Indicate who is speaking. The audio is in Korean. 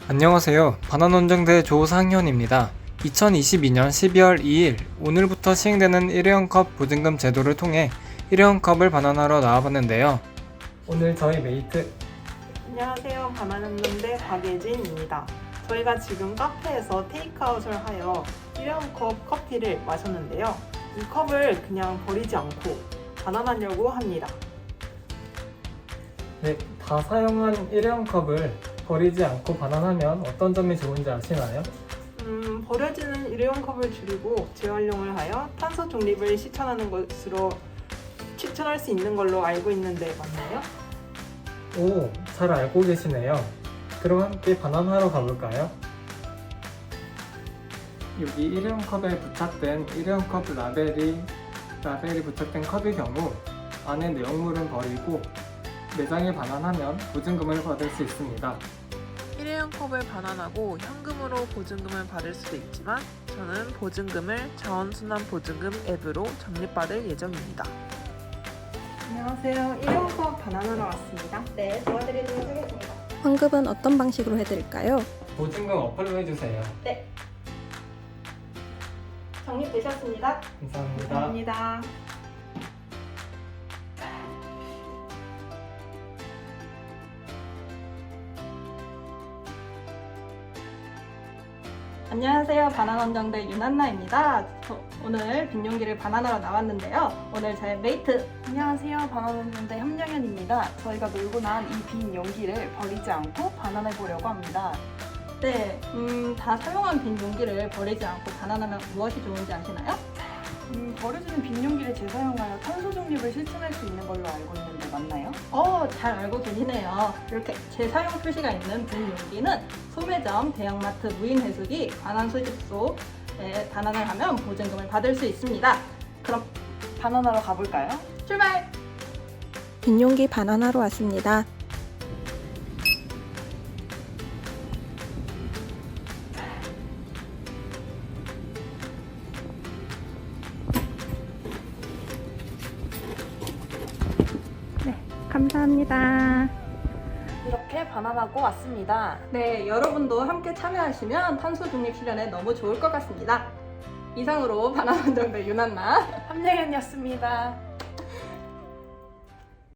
Speaker 1: 안녕하세요. 바나논정대 조상현입니다. 2022년 12월 2일 오늘부터 시행되는 일회용컵 보증금 제도를 통해 일회용컵을 반환하러 나와봤는데요. 오늘 저희 메이트
Speaker 2: 안녕하세요. 바나나논대 박예진입니다. 저희가 지금 카페에서 테이크아웃을 하여 일회용컵 커피를 마셨는데요. 이 컵을 그냥 버리지 않고 반환하려고 합니다.
Speaker 1: 네, 다 사용한 일회용컵을 버리지 않고 반환하면 어떤 점이 좋은지 아시나요?
Speaker 2: 버려지는 일회용컵을 줄이고 재활용을 하여 탄소 중립을 실천하는 것으로 추천할 수 있는 걸로 알고 있는데 맞나요?
Speaker 1: 오, 잘 알고 계시네요. 그럼 함께 반환하러 가볼까요? 여기 일회용컵에 부착된 일회용컵 라벨이 부착된 컵의 경우 안에 내용물은 버리고 매장에 반환하면 보증금을 받을 수 있습니다.
Speaker 3: 일회용 컵을 반환하고 현금으로 보증금을 받을 수도 있지만 저는 보증금을 자원순환보증금 앱으로 적립받을 예정입니다.
Speaker 2: 안녕하세요. 일회용컵 반환하러 왔습니다.
Speaker 4: 네, 도와드리도록 하겠습니다.
Speaker 5: 환급은 어떤 방식으로 해드릴까요?
Speaker 1: 보증금 어플로 해주세요.
Speaker 4: 네. 적립되셨습니다.
Speaker 1: 감사합니다.
Speaker 2: 감사합니다.
Speaker 4: 안녕하세요. 바나논정대 윤한나입니다. 오늘 빈용기를 반환하러 나왔는데요. 오늘 제 메이트
Speaker 2: 안녕하세요. 바나나논대 함영현입니다. 저희가 놀고 난 이 빈 용기를 버리지 않고 반환해 보려고 합니다.
Speaker 4: 네, 다 사용한 빈 용기를 버리지 않고 반환하면 무엇이 좋은지 아시나요?
Speaker 2: 버려지는 빈 용기를 재사용하여 탄소 중립을 실천할 수 있는 걸로 알고 있는데 맞나요?
Speaker 4: 잘 알고 계시네요. 이렇게 재사용 표시가 있는 빈 용기는 소매점, 대형마트, 무인해수기, 관한 수집소에 반환을 하면 보증금을 받을 수 있습니다. 그럼
Speaker 2: 반환하러 가볼까요?
Speaker 4: 출발!
Speaker 5: 빈용기 반환하러 왔습니다. 감사합니다.
Speaker 2: 이렇게 반환하고 왔습니다.
Speaker 4: 네, 여러분도 함께 참여하시면 탄소 중립 실현에 너무 좋을 것 같습니다. 이상으로 바나논정대 윤한나
Speaker 2: 함영현이었습니다.